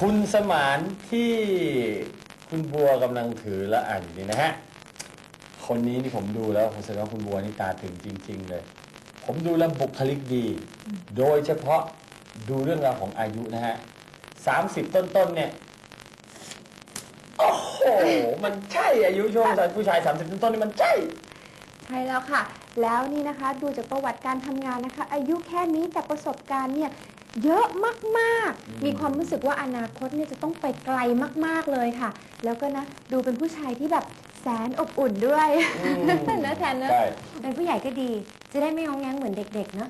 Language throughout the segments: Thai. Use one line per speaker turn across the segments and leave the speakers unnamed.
คุณสมานที่คุณบัวกำลังถือและอ่านอยู่นี่นะฮะคนนี้นี่ผมดูแล้วผมแสดงว่าคุณบัวนี่ตาถึงจริงๆเลยผมดูแล้วบุคลิกดี โดยเฉพาะดูเรื่องราวของอายุนะฮะ30 ต้นๆเนี่ยโอ้โหมันใช่อายุช่วงผู้ชาย30 ต้นๆนี่มันใช่
ใช่แล้วค่ะ แล้วนี่นะคะดูจากประวัติการทำงานนะคะ อายุแค่นี้แต่ประสบการณ์เนี่ยเยอะมากๆมีความรู้สึกว่าอนาคตเนี่ยจะต้องไปไกลมากๆเลยค่ะ แล้วก็นะดูเป็นผู้ชายที่แบบแสนอบอุ่นด้วยนะแทนนะเป็นผู้ใหญ่ก็ดีจะได้ไม่งองแงงเหมือนเด็กๆเนาะ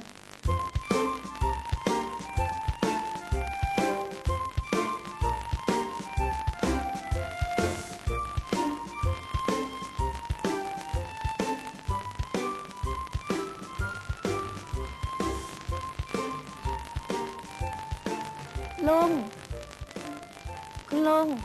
ลุงคุณลุง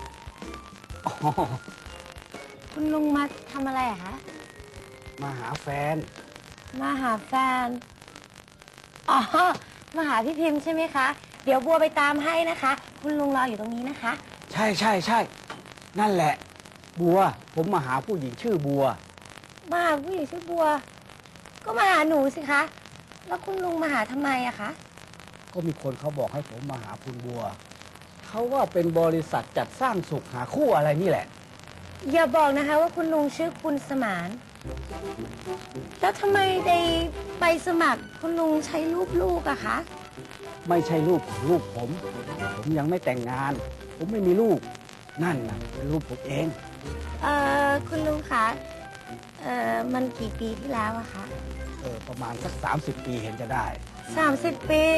คุณลุงมาทำอะไรอะคะ
มาหาแฟน
มาหาแฟนอ๋อมาหาพี่พิมพ์ใช่ไหมคะเดี๋ยวบัวไปตามให้นะคะคุณลุงรออยู่ตรงนี้นะคะ
ใช่ใช่ใช่นั่นแหละบัวผมมาหาผู้หญิงชื่อบัว
มาหาผู้หญิงชื่อบัวก็มาหาหนูสิคะแล้วคุณลุงมาหาทำไมอะคะ
ก็มีคนเขาบอกให้ผมมาหาคุณบัวเขาว่าเป็นบริษัทจัดสร้างสุขหาคู่อะไรนี่แหละ
อย่าบอกนะคะว่าคุณลุงชื่อคุณสมานแล้วทำไมในใบสมัครคุณลุงใช้รูปลูกอะคะ
ไม่ใช่ลูกผมยังไม่แต่งงานผมไม่มีลูกนั่นน่ะเป็นลูกผมเอง
คุณลุงคะมันกี่ปีที่แล้วอะคะ
ประมาณสัก30 ปีเห็นจะได้
30 ปี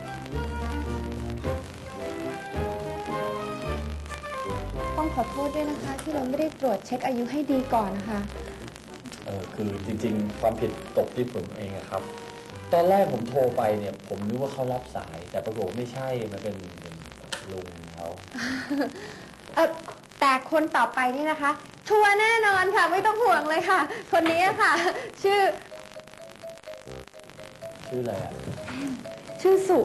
ต้องขอโทษด้วยนะคะที่เราไม่ได้ตรวจเช็คอายุให้ดีก่อนนะคะ
คือจริงๆความผิดตกที่ผมเองครับตอนแรกผมโทรไปเนี่ยผมนึกว่าเขารับสายแต่ปรากฏไม่ใช่มันเป็นลุงเขา
แต่คนต่อไปนี่นะคะชัวร์แน่นอนค่ะไม่ต้องห่วงเลยค่ะคนนี้ค่ะชื่อ
อะไรอ่ะ
ชื่อสุ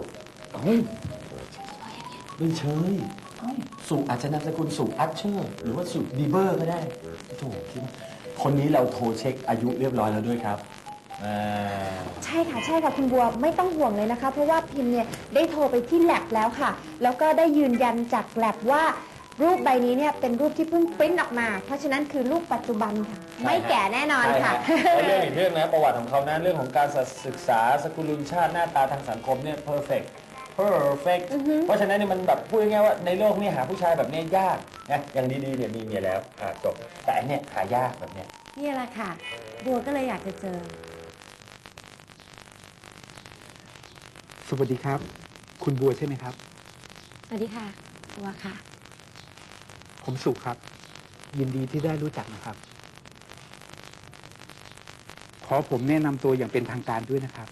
ไม่เชยสุอาจจะนามสกุลสุอัชเชอร์หรือว่าสุบีเบอร์ก็ได้โถคิดว่าคนนี้เราโทรเช็คอายุเรียบร้อยแล้วด้วยครับ
ใช่ค่ะคุณบัวไม่ต้องห่วงเลยนะคะเพราะว่าพิมพ์เนี่ยได้โทรไปที่แลบแล้วค่ะแล้วก็ได้ยืนยันจากแลบว่ารูปใบนี้เนี่ยเป็นรูปที่เพิ่งปริ้นออกมาเพราะฉะนั้นคือรูปปัจจุบันค่ะไม่แก่แน่นอนค่ะ
เรื่องอีกเรื่องนะประวัติของเขานะเรื่องของการศึกษาสกุลชาติหน้าตาทางสังคมเนี่ย perfect เพราะฉะนั้นเนี่ยมันแบบพูดง่ายๆว่าในโลกนี้หาผู้ชายแบบนี้ยากนะอย่างดีๆเนี่ยมีเมียแล้วจบแต่อันเนี้ยหายากแบบเนี้ย
นี่แหละค่ะบัวก็เลยอยากจะเจอ
สวัสดีครับคุณบัวใช่ไหมครับ
สวัสดีค่ะบัวค่ะ
ผมสุขครับยินดีที่ได้รู้จักนะครับขอผมแนะนำตัวอย่างเป็นทางการด้วยนะครับ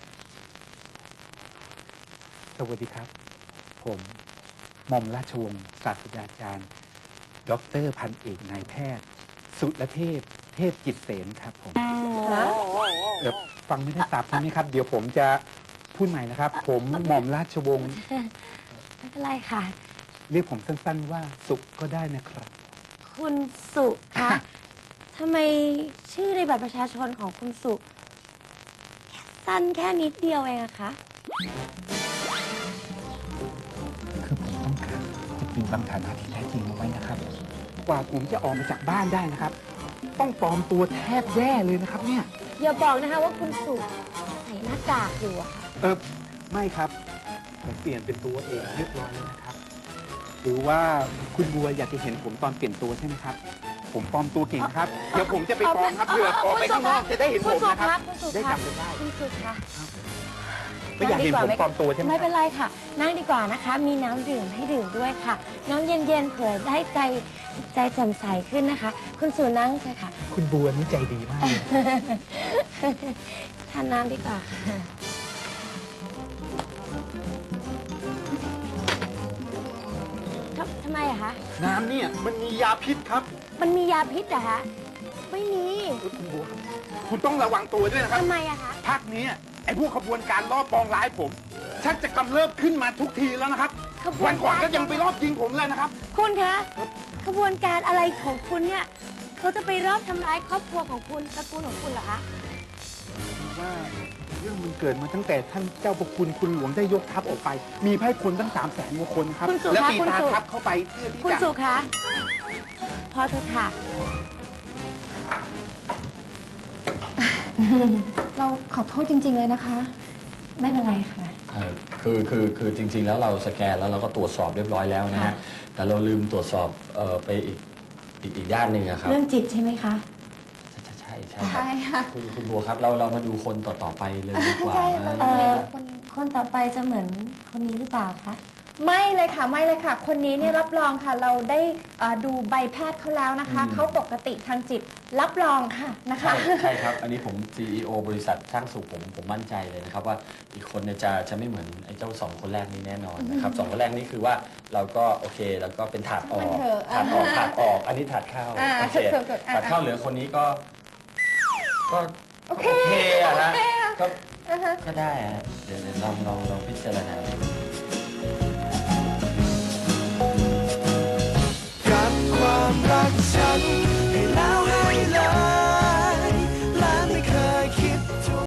สวัสดีครับผมหม่อมราชวงศ์ศาสตราจารย์ดร.พันเอกนายแพทย์สุรเทพเทพจิตเสนครับผมฟังไม่ได้สับใช่ไหมครับเดี๋ยวผมจะพูดใหม่นะครับผมหม่อมราชวงศ์
ไม่เป็นไรค่ะ
เรียกผมสั้นๆว่าสุก็ได้นะครับ
คุณสุคะทำไมชื่อในบัตรประชาชนของคุณสุสั้นแค่นิดเดียวเองอะคะ
คือผมต้องการจะปิดบังฐานะที่แท้จริงเอาไว้นะครับกว่าผมจะออกมาจากบ้านได้นะครับต้องปลอมตัวแทบแย่เลยนะครับเนี่ย
อย่าบอกนะคะว่าคุณสุใส่หน้ากากอยู่อะค่ะ
ไม่ครับผมเปลี่ยนเป็นตัวเองเรียบร้อยแล้วนะครับหรือว่าคุณบัวอยากจะเห็นผมตอนเปลี่ยนตัวใช่ไหมครับผมปลอมตัวเก่งครับเดี๋ยวผมจะไปปลอมครับเผื่อออกไปข้างนอกจะได้เห็นผมนะครับได้จำได้
คุณสุคะ
ไม่อยากเห็นผมปลอมตัวใช่ไหม
ไม่เป็นไรค่ะนั่งดีกว่านะคะมีน้ำดื่มให้ดื่มด้วยค่ะน้ำเย็นๆเผื่อได้ใจแจ่มใสขึ้นนะคะคุณสุนั่งเลยค่ะ
คุณบัวนี่ใจดีมาก
ทานน้ำดีกว่าค่ะทำไมอะคะ
น้ำเนี่ยมันมียาพิษครับ
มันมียาพิษเหรอคะไม่มี
คุณบัวคุณต้องระวังตัวด้วยนะครับ
ทำไมอะคะ
ภาคนี้ไอ้พวกขบวนการล่อปองร้ายผมชักจะกำเริบขึ้นมาทุกทีแล้วนะครับ
ขบว
วัน นก่อน
การ
ก็ยังไปรอบยิงผมเลยนะครับ
คุณคะขบวนการอะไรของคุณเนี่ยเขาจะไปรอบทำร้ายครอบครัวของคุณตระกูลของคุณเหรอคะ
ว่าเรื่องมันเกิดมาตั้งแต่ท่านเจ้าประคุณคุณหลวงได้ยกทัพออกไป มีไพร่พลตั้ง300,000 กว่าคนครับ
คุณสุ
แล้ว
คะ
ตี
คุณ
ตา
สุ
ทัพเข้าไปเพื่อที่
คุณ
จะ
สุคะพอเถอะค่ะ เราขอโทษจริง ๆ เลยนะคะ ไม่เป็นไรค่ะ
คือจริง ๆ แล้วเราสแกนแล้วเราก็ตรวจสอบเรียบร้อยแล้วนะฮะ
ค่ะ
แต่เราลืมตรวจสอบไปอีกด้านหนึ่งอะครับ
เรื่องจิตใช่ไหมคะ
ใช่ครับ
ใช่ค่ะ
คุณบัวครับเรามาดูคนต่อไปเลยดีกว่านะ
คนต่อไปจะเหมือนคนนี้หรือเปล่าคะ ไม่เลยค่ะไม่เลยค่ะ คนนี้เนี่ยรับรองค่ะ เราได้ดูใบแพทย์เขาแล้วนะคะ เขาปกติทางจิตรับรองค่ะนะคะ
ใช่ครับ อันนี้ผม CEO บริษัทช่างสุขผมมั่นใจเลยนะครับว่าอีกคนเนี่ยจะไม่เหมือนไอ้เจ้า2 คนแรกนี้แน่นอนนะครับ2 คนแรกนี่คือว่าเราก็โอเคแล้วก็เป็นถาดออก
มันเถอะ
ถาดออก อันนี้ถาดเข้า โอเค
ถูกๆ
ถาดเข้าเหลือคนนี้ก็
โอเค
อะนะ
โอเคค่ะ
ก็
อ่าฮะ
ก็ได้ฮะเดี๋ยวลองพิจารณาดู
กับความรักฉัน